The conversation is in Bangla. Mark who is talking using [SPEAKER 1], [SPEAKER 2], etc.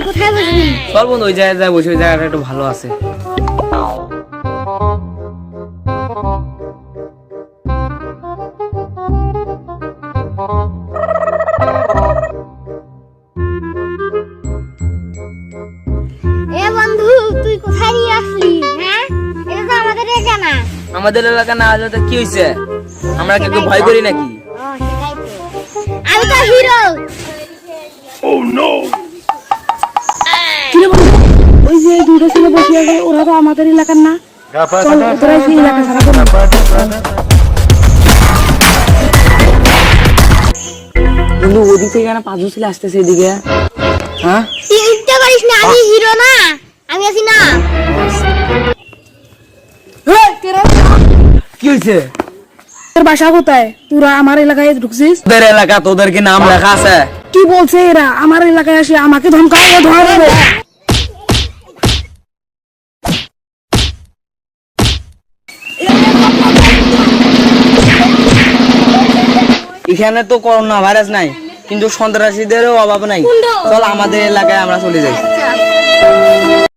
[SPEAKER 1] কোথায় বসবি?
[SPEAKER 2] চল বন্ধু ওই জায়গায় বসে, ওই জায়গাটা একটু ভালো আছে।
[SPEAKER 1] এ বন্ধু তুই কোথায় নিয়ে আসলি? হ্যাঁ, এটা তো আমাদের এলাকা না।
[SPEAKER 2] আমাদের এলাকা না হলে তো কি হয়েছে? আমরা কি একটু ভয় করি নাকি?
[SPEAKER 1] ও সেটাই তো। আমি তো হিরো।
[SPEAKER 3] ওই যে দুটো ছেলে বসে আছে, ওরা তো আমাদের এলাকার না। চল, ওরাই সেই এলাকা ছাড়া করবো।
[SPEAKER 2] বন্ধু ওদিক থেকে কেন পাঁচজন ছেলে আসতেছে এদিকে? হ্যাঁ
[SPEAKER 1] তুই উঠতে পারিস না, আমি হিরো না, আমি আছি না।
[SPEAKER 2] কি হয়েছে?
[SPEAKER 3] তোর বাসা কোথায়? তোরা আমার এলাকায় ঢুকছিস?
[SPEAKER 2] তোদের এলাকা, তোদের কি নাম লেখা আছে?
[SPEAKER 3] কি বলছে এরা? আমার এলাকায় আসে আমাকে ধমকাবে, ধরবে।
[SPEAKER 2] এখানে তো করোনা ভাইরাস নাই, কিন্তু সন্ত্রাসীদেরও অভাব নাই। চল আমাদের এলাকায় আমরা চলে যাই।